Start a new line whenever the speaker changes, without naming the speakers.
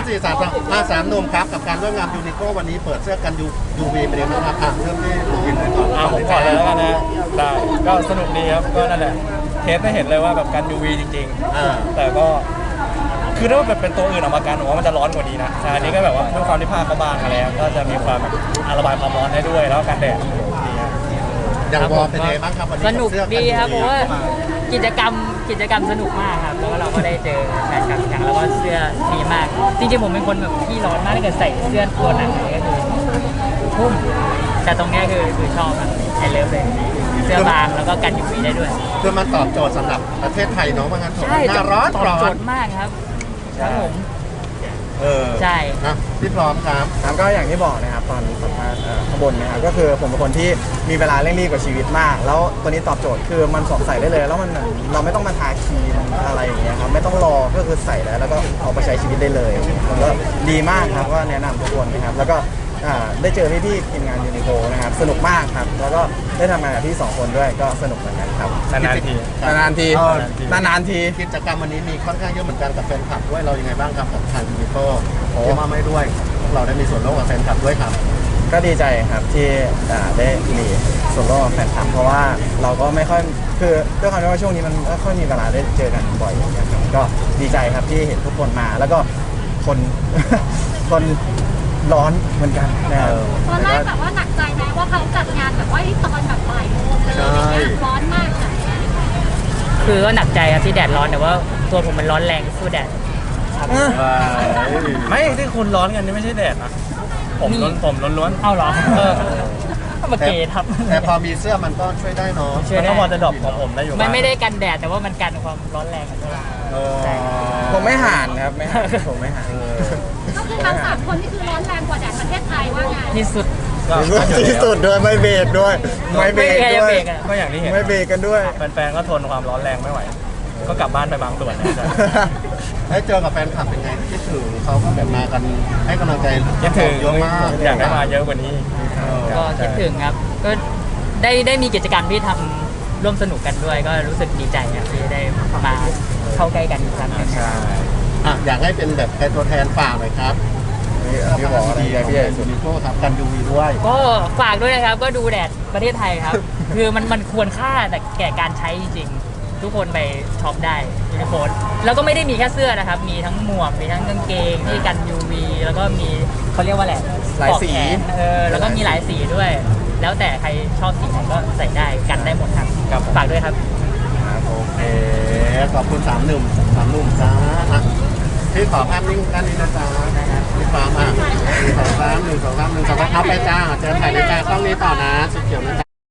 3 หนุ่มครับกับการร่วมงานยูนิโควันนี้เปิดเสื้อกันยูวีไปเลยนะครับเริ่มที่ยูวีเลยก่อน
ผมก่อนเลยแล้วกันนะได้ก็สนุกดีครับก็นั่นแหละเทสได้เห็นเลยว่าแบบกัน UV จริงๆแต่ก็คือถ้าแบบเป็นตัวอื่นออกมากันผมว่ามันจะร้อนกว่านี้นะอันนี้ก็แบบว่าด้วยความที่ผ้าเขาบางอะไรก็จะมีความแบบระบายความร้อนได้ด้วยแล้วกันแดด
อย่างวอลเป็นไงบ้างครับวันนี้
สนุกดีครับเพราะว่ากิจกรรมสนุกมากครับแล้วก็เราก็ได้เจอแฟนคลับอย่างแล้วก็เสื้อดีมากจริงๆผมเป็นคนแบบที่ร้อนมากถ้าเกิดใส่เสื้อตัวหนังก็คือพุ่มแต่ตรงนี้คือชอบครับไอเลิฟเลยเสื้อบางแล้วก็กัน UV ได้ด้วย
คือมันตอบโจทย์สำหรับประเทศไทยเนาะว่างั้น
ใช่
หน้าร้อน
ตอบโจทย์มากครับผมใช่
พี่พร้อมครับ
ก็อย่างที่บอกนะครับตอนสัมภาษณ์ข้างบนนะครับก็คือผมเป็นคนที่มีเวลาเร่งรีบกับชีวิตมากแล้วตัวนี้ตอบโจทย์คือมันสวมใส่ได้เลยแล้วมันเราไม่ต้องมาทาครีมอะไรอย่างเงี้ยครับไม่ต้องรอก็คือใส่แล้วก็เอาไปใช้ชีวิตได้เลยมันก็ดีมากครับก็แนะนำทุกคนนะครับแล้วก็ได้เจอพี่ทีมงานยูนิโคนะครับสนุกมากครับแล้วก็ได้ทำงานกับพี่2 คนด้วยก็สนุกเหมือนกันครับ
นาน
ที
กิจกรรมวันนี้มีค่อนข้างเยอะเหมือนกันกับแฟนคลับด้วยเรายังไงบ้างครับกับทางยูนิโคที่มาไม่ด้วยเราได้มีส่วนร่วมกับแฟนคลับด้วยครับ
ก็ดีใจครับที่ได้มีส่วนร่วมกับแฟนคลับเพราะว่าเราก็ไม่ค่อยคือด้วยความที่ว่าช่วงนี้มันไม่ค่อยมีเวลาได้เจอกันบ่อยนะครับก็ดีใจครับที่เห็นทุกคนมาแล้วก็คนร้อนเหมือนกันนะครับ
ตอนแรกแบบว่าหนักใจไหมว่าเขาจัดงานแบบว่าตอนแบบบ่ายโมงอะไรอย่างเงี้ยร้อนมาก
คือก็หนักใจครับที่แดดร้อนแต่ว่าตัวผมมันร้อนแรงสู้แดด
ไม่ที่คุณร้อนกันนี่ไม่ใช่แดดนะผมล้วน
เอาเหรอมาเกทับ
แต่พอมีเสื้อมันก็ช่วยได้เนาะ
มันก็พอจะดรอปของผมได้อยู่
มันไม่ได้กันแดดแต่ว่ามันกันความร้อนแรง
ผมไม่ห่านครับผมไม่ห่าน
ก็คือทั้ง3 คนนี่คือร้อนแรงกว่าแดดประเทศไทยว่าไง
ที่สุด
ด้วยไม่เบรกด้วย
ก็อย่างที่เห็น
ไม่เบรกกันด้วย
แฟนๆก็ทนความร้อนแรงไม่ไหวก็กลับบ้านไปบางส่วนนะ
ได้เจอกับแฟนคลับเป็นไงคิดถึงเขาก็แบบมากันให้กำลังใจ
คิดถึง
เยอะมาก
อยากให้มาเยอะกว่านี้
ก็คิดถึงครับก็ได้มีกิจกรรมที่ทำร่วมสนุกกันด้วยก็รู้สึกดีใจครับที่ได้มาเข้าใกล้กันอีกครั้งนึง
ใช่อยากให้เป็นแบบเป็นตัวแทนฝากหน่อยครับ
พี่บอกอะไร
พี่ใหญ่สุดนิโก้ครับกันยูวีด้วย
ก็ฝากด้วยนะครับก็ดูแดดประเทศไทยครับคือมันควรค่าแต่แก่การใช้จริงทุกคนไปช็อปได้ยูนิโคแล้วก็ไม่ได้มีแค่เสื้อนะครับมีทั้งหมวกมีทั้งกางเกงที่กัน UV แล้วก็มีเขาเรียกว่าอะไร
หลายสี
แล้วก็มีหลายสีด้วยแล้วแต่ใครชอบสีไหนก็ใส่ได้กันได้หมดครับฝากด้วยครับ
โอเคขอบคุณ3 หนุ่มจ้าพี่ขอภาพนิ่งด้านนี้นะจ๊ะพี่ฟ้ามา1 2 3 1 2 3 1 2 3เอาไปจ้าเจอถ่ายในจ้ากล้องนี้ต่อนะสีเขียวนะ